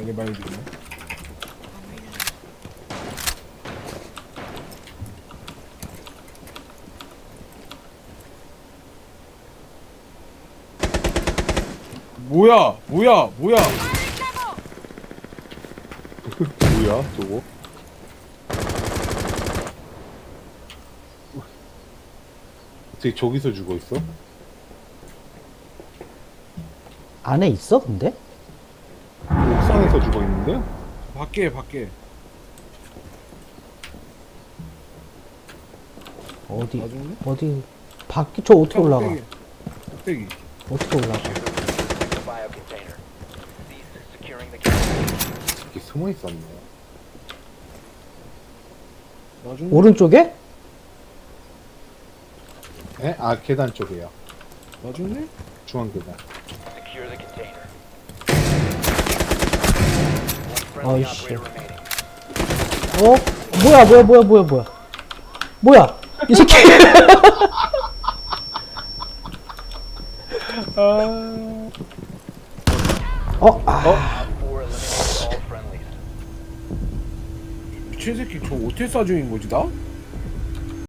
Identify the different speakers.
Speaker 1: 이게 많이 들리네. 뭐야 뭐야 뭐야.
Speaker 2: 뭐야 저거? 어떻게 저기서 죽어 있어?
Speaker 3: 안에 있어 근데?
Speaker 2: 옥상에서 죽어 있는데?
Speaker 1: 밖에
Speaker 3: 어디
Speaker 1: 나중에?
Speaker 3: 어디 밖에 저 어떻게 올라가?
Speaker 1: 꼭대기.
Speaker 3: 어떻게 올라가?
Speaker 4: Bio container. Cease securing the container.
Speaker 2: 이렇게 숨어 있었네.
Speaker 1: 나중에
Speaker 3: 오른쪽에?
Speaker 2: 에? 아 계단 쪽이에요.
Speaker 1: 나중에
Speaker 2: 중앙 계단.
Speaker 4: Secure the container. One
Speaker 3: Oh,
Speaker 4: friendly
Speaker 3: shit.
Speaker 4: operator remaining.
Speaker 3: 뭐야 이 새끼.
Speaker 4: Four eliminated all friendlies.
Speaker 1: 미친 새끼 저 어떻게 쏴 죽인 거지 나?